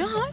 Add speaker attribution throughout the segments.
Speaker 1: ne hal?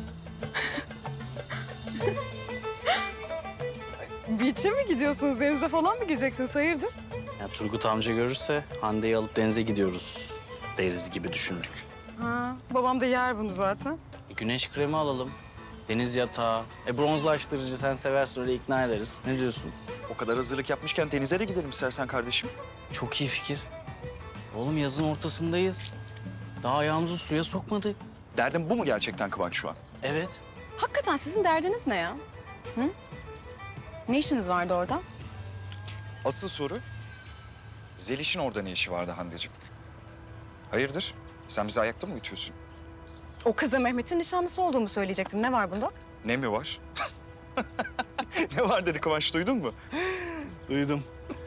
Speaker 1: Beach'e mi gidiyorsunuz? Denize falan mı gireceksiniz? Hayırdır?
Speaker 2: Ya Turgut amca görürse Hande'yi alıp denize gidiyoruz deriz gibi düşündük.
Speaker 1: Ha, babam da yer bunu zaten.
Speaker 2: Güneş kremi alalım. Deniz yatağı. Bronzlaştırıcı sen seversin öyle ikna ederiz. Ne diyorsun?
Speaker 3: O kadar hazırlık yapmışken denize de gidelim istersen kardeşim.
Speaker 2: Çok iyi fikir. Oğlum yazın ortasındayız. Daha ayağımızı suya sokmadık.
Speaker 3: Derdin bu mu gerçekten Kıvanç şu an?
Speaker 2: Evet.
Speaker 1: Hakikaten sizin derdiniz ne ya? Hı? Ne işiniz vardı orada?
Speaker 3: Asıl soru, Zeliş'in orada ne işi vardı Hande'ciğim? Hayırdır? Sen bizi ayakta mı uyutuyorsun?
Speaker 1: O kıza Mehmet'in nişanlısı olduğumu söyleyecektim. Ne var bunda?
Speaker 3: Ne mi var? Ne var dedi Kıvanç, duydun mu?
Speaker 2: Duydum.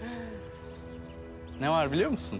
Speaker 2: Ne var biliyor musun?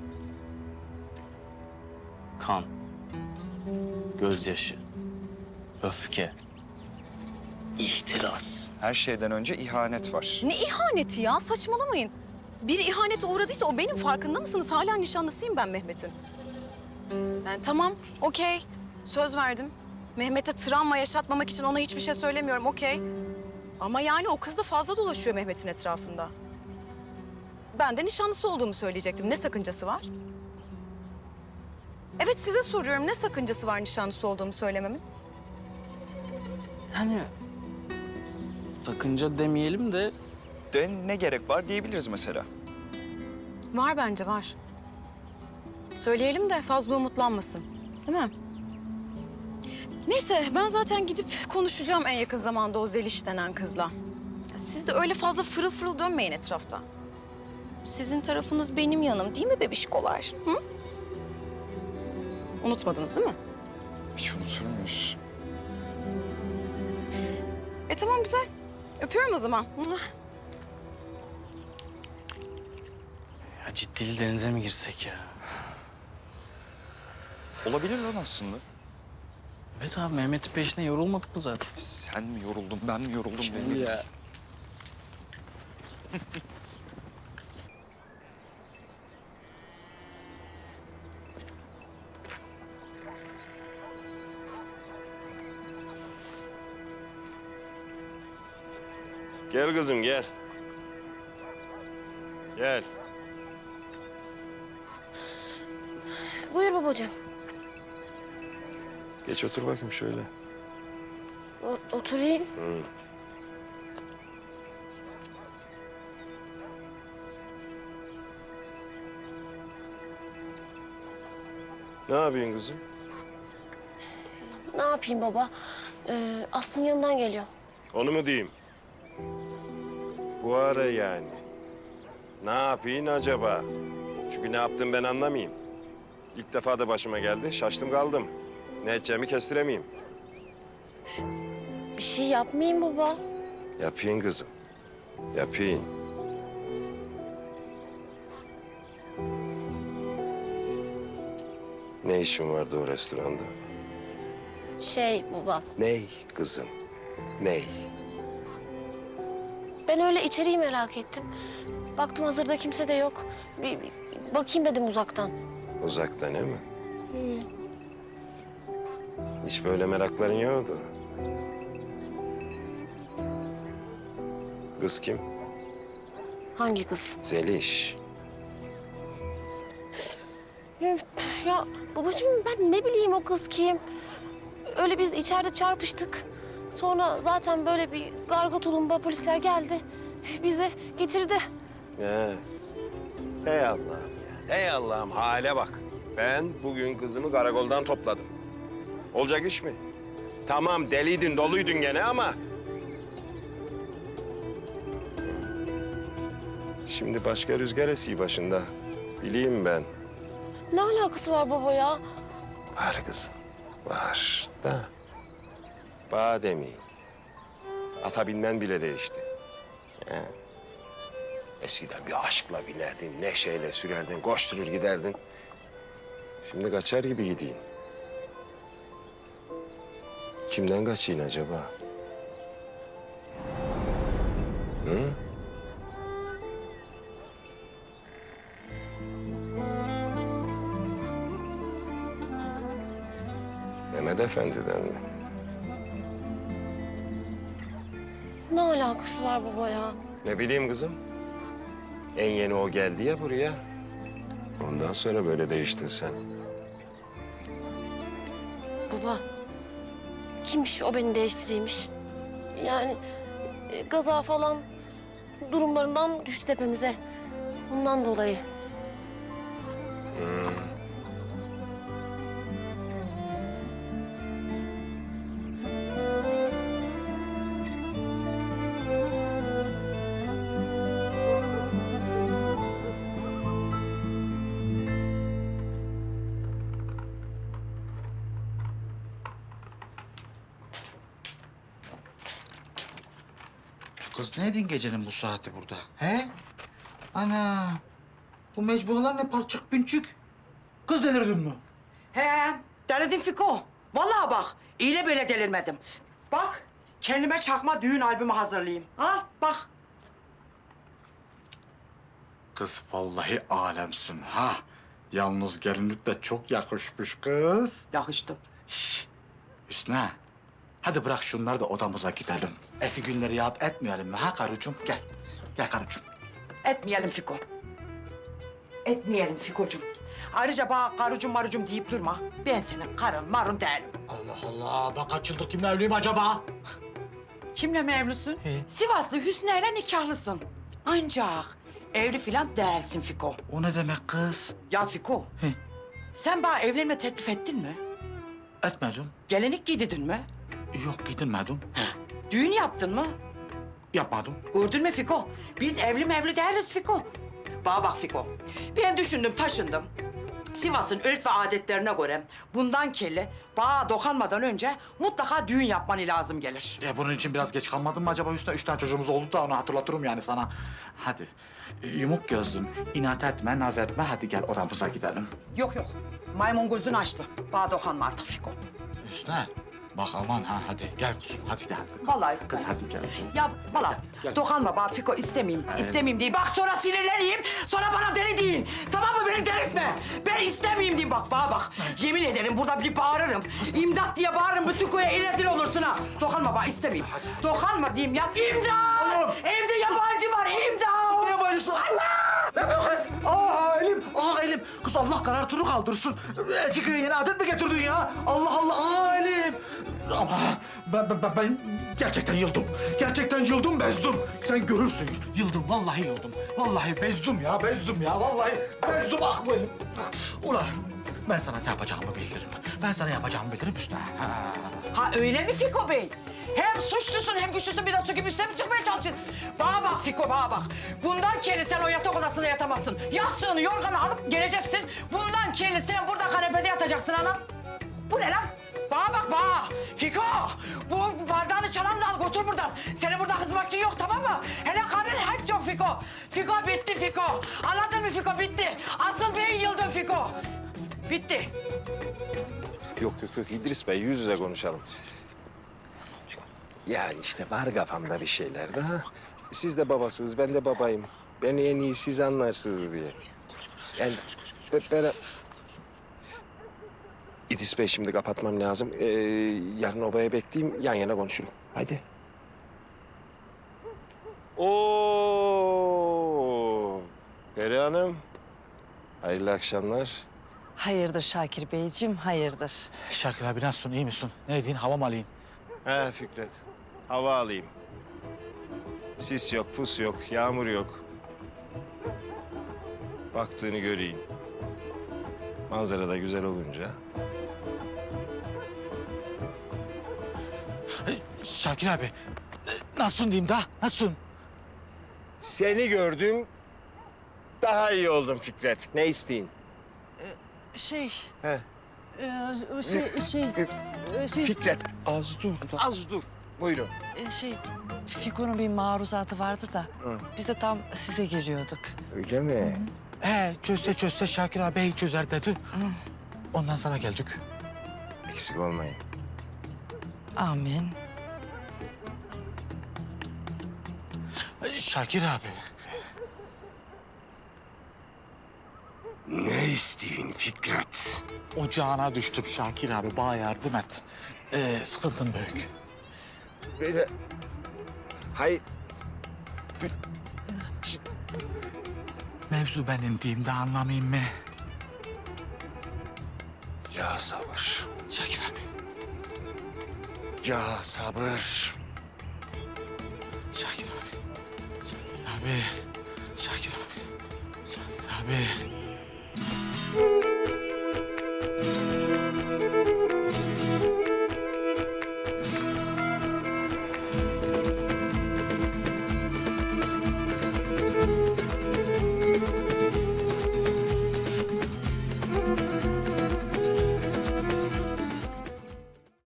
Speaker 2: Kan. Gözyaşı. Öfke. İhtiras.
Speaker 3: Her şeyden önce ihanet var.
Speaker 1: Ne ihaneti ya? Saçmalamayın. Bir ihanete uğradıysa o benim, farkında mısınız? Hala nişanlısıyım ben Mehmet'in. Yani tamam, okey. Söz verdim. Mehmet'e travma yaşatmamak için ona hiçbir şey söylemiyorum, okey. Ama yani o kız da fazla dolaşıyor Mehmet'in etrafında. Ben de nişanlısı olduğumu söyleyecektim. Ne sakıncası var? Evet, size soruyorum. Ne sakıncası var nişanlısı olduğumu söylememin?
Speaker 2: Yani sakınca demeyelim de
Speaker 3: De ne gerek var diyebiliriz mesela.
Speaker 1: Var bence, var. Söyleyelim de fazla umutlanmasın. Değil mi? Neyse, ben zaten gidip konuşacağım en yakın zamanda o Zeliş denen kızla. Ya siz de öyle fazla fırıl fırıl dönmeyin etrafta. Sizin tarafınız benim yanım değil mi bebişkolar? Hı? Unutmadınız değil mi?
Speaker 3: Hiç unutur muyuz?
Speaker 1: Tamam, güzel. Öpüyorum o zaman.
Speaker 2: ya ciddi denize mi girsek ya?
Speaker 3: Olabilir lan aslında.
Speaker 2: Evet abi Mehmet'in peşine yorulmadık mı zaten?
Speaker 3: Sen mi yoruldun, ben mi yoruldum? belli değil.
Speaker 2: Ya.
Speaker 4: Gel kızım gel. Gel.
Speaker 5: Buyur babacığım.
Speaker 4: Geç otur bakayım şöyle.
Speaker 5: Oturayım.
Speaker 4: Hı. Ne yapıyorsun kızım?
Speaker 5: Ne yapayım baba? Aslı'nın yanından geliyor.
Speaker 4: Onu mu diyeyim? Bu ara yani. Ne yapayım acaba? Çünkü ne yaptım ben anlamayayım. İlk defa da başıma geldi. Şaştım kaldım. Ne edeceğimi kestiremeyeyim.
Speaker 5: Bir şey yapmayayım baba.
Speaker 4: Yapayım kızım. Yapayım. Ne işin vardı o restoranda?
Speaker 5: Baba,
Speaker 4: Ney kızım? Ney?
Speaker 5: ben öyle içeriği merak ettim. Baktım hazırda kimse de yok. Bir bakayım dedim uzaktan.
Speaker 4: Uzaktan değil mi?
Speaker 5: Hı.
Speaker 4: Hiç böyle merakların yoktu. Kız kim?
Speaker 5: Hangi kız?
Speaker 4: Zeliş.
Speaker 5: Ya babacığım ben ne bileyim o kız kim? Öyle biz içeride çarpıştık. Sonra zaten böyle bir garga tulumba polisler geldi. Bizi getirdi.
Speaker 4: He. Ey Allah'ım ya. Ey Allah'ım hale bak. Ben bugün kızımı karakoldan topladım. Olacak iş mi? Tamam deliydin, doluydun gene ama... Şimdi başka rüzgar esiyor başında. Bileyim ben.
Speaker 5: Ne alakası var baba ya?
Speaker 4: Var kızım, var da. Bademi. Ata binmen bile değişti. He. Eskiden bir aşkla binerdin, neşeyle sürerdin, koşturur giderdin. Şimdi kaçar gibi gideyim. Kimden kaçayım acaba? Hı? Mehmet Efendi'den mi?
Speaker 5: Ne alakası var baba ya?
Speaker 4: Ne bileyim kızım. En yeni o geldi ya buraya. Ondan sonra böyle değiştin sen.
Speaker 5: Baba, kimmiş o beni değiştireymiş? Yani gaza falan durumlarından düştü tepemize. Bundan dolayı.
Speaker 6: Kız ne edin gecenin bu saati burada? He? Ana. Bu mecbualar ne parçık pinçük? Kız delirdin mi?
Speaker 7: He, delirdim Fiko. Vallahi bak, iyiyle böyle delirmedim. Bak, kendime çakma düğün albümü hazırlayayım. Al, bak.
Speaker 6: Kız vallahi alemsin ha. Yalnız gelinlik de çok yakışmış kız.
Speaker 7: Yakıştım.
Speaker 6: Şş, Hüsnü. Hadi bırak şunları da odamıza gidelim. Eski günleri yap etmeyelim mi ha karıcığım? Gel. Gel karıcığım.
Speaker 7: Etmeyelim Fiko. Etmeyelim Fiko'cum. Ayrıca bana karıcım marıcım deyip durma. Ben senin karın marun değilim.
Speaker 6: Allah Allah. Ben kaç yıldır kimle evliyim acaba?
Speaker 7: Kimle mi evlisin?
Speaker 6: He.
Speaker 7: Sivaslı Hüsnü'yle nikahlısın. Ancak evli filan değilsin Fiko.
Speaker 6: O ne demek kız?
Speaker 7: Ya Fiko,
Speaker 6: He.
Speaker 7: sen bana evlenme teklif ettin mi?
Speaker 6: Etmedim.
Speaker 7: Gelinlik giydirdin mi?
Speaker 6: Yok gidilmedim.
Speaker 7: Düğün yaptın mı?
Speaker 6: Yapmadım.
Speaker 7: Gördün mü Fiko? Biz evli mevli değiliz Fiko. Bana bak Fiko. Ben düşündüm, taşındım. Sivas'ın örf ve adetlerine göre bundan kelli bağa dokanmadan önce mutlaka düğün yapman lazım gelir.
Speaker 6: Bunun için biraz geç kalmadın mı acaba Hüsnü? 3 tane çocuğumuz oldu da onu hatırlatırım yani sana. Hadi yumuk gözlüm, inat etme, naz etme. Hadi gel odamıza gidelim.
Speaker 7: Yok yok, maymun gözünü açtı. Bağa dokanma artık Fiko.
Speaker 6: Hüsnü bak aman ha hadi gel kuzum hadi gel. Kız,
Speaker 7: Vallahi istemem.
Speaker 6: Kız hadi gel.
Speaker 7: Ya valla
Speaker 6: Gel.
Speaker 7: dokanma bana Fiko, istemeyeyim. İstemeyeyim diyeyim. Bak sonra sinirleneyim, sonra bana deli deyin. Tamam mı? Beni delirtme. Ben istemeyeyim diyeyim bak, bana bak. Yemin ederim burada bir bağırırım. İmdat diye bağırırım, bütün köye rezil olursun ha. Dokanma bana, istemeyeyim. Dokanma diyeyim ya. İmdat!
Speaker 6: Oğlum!
Speaker 7: Evde yabancı var, imdat!
Speaker 6: Ne yapıyorsun? Allah! Ne yapıyorsun kız? Aa elim, elim. Kız Allah karartını kaldırsın. Eski köye yeni adet mi getirdin ya? Allah Allah, elim. Ama ben gerçekten yıldım. Gerçekten yıldım, bezdim. Sen görürsün. Yıldım, vallahi yıldım. Vallahi bezdim ya, Vallahi bezdim, ah bu elim. Ulan ben sana ne yapacağımı bilirim. Ben sana yapacağımı bilirim Hüsnü. Ha.
Speaker 7: Ha öyle mi Fiko Bey? Hem suçlusun hem güçlüsün, bir de su gibi üstüne mi çıkmaya çalışıyorsun? Bana bak Fiko, bana bak. Bundan kelli sen o yatak odasında yatamazsın. Yastığını, yorganı alıp geleceksin. Bundan kelli sen burada kanepede yatacaksın anam. Bu ne lan? Bana bak bana. Fiko, bu bardağını çalan da al götür buradan. Senin burada hizmetçin yok, tamam mı? Hele karın hiç yok Fiko. Fiko bitti Fiko. Anladın mı Fiko, bitti. Asıl ben yıldım Fiko. Bitti.
Speaker 4: Yok İdris Bey yüz yüze konuşalım. Yani işte var kafamda bir şeyler de ha. Siz de babasınız, ben de babayım. Beni en iyi siz anlarsınız diye. Yani ben... İdris Bey şimdi kapatmam lazım. Yarın obaya bekleyeyim, yan yana konuşuruz. Hadi. Oo, Peri Hanım. Hayırlı akşamlar.
Speaker 8: Hayırdır Şakir Beyciğim, hayırdır?
Speaker 6: Şakir abi nasılsın, iyi misin? Ne edin, hava mı alayım?
Speaker 4: He Fikret, hava alayım. Sis yok, pus yok, yağmur yok. Baktığını göreyim. Manzara da güzel olunca.
Speaker 6: Şakir abi, nasılsın diyeyim da, nasılsın?
Speaker 4: Seni gördüm, daha iyi oldum Fikret. Ne isteyin?
Speaker 8: Şey,
Speaker 4: He. Fikret, az dur, az dur. Buyurun.
Speaker 8: Fiko'nun bir maruzatı vardı da
Speaker 4: Hı.
Speaker 8: biz de tam size geliyorduk.
Speaker 4: Öyle mi?
Speaker 6: Çözse Şakir abi çözer dedi. Ondan sana geldik.
Speaker 4: Eksik olmayın.
Speaker 8: Amin.
Speaker 6: Şakir abi.
Speaker 4: Ne isteyin Fikret?
Speaker 6: Ocağına düştüm Şakir abi, bana yardım et. Sıkıntın büyük.
Speaker 4: Böyle Hayır.
Speaker 6: Mevzu benim diyeyim de anlamayayım mı?
Speaker 4: Ya sabır.
Speaker 6: Şakir abi.
Speaker 4: Ya sabır.
Speaker 6: Şakir abi. Şakir abi. Şakir abi. Şakir abi.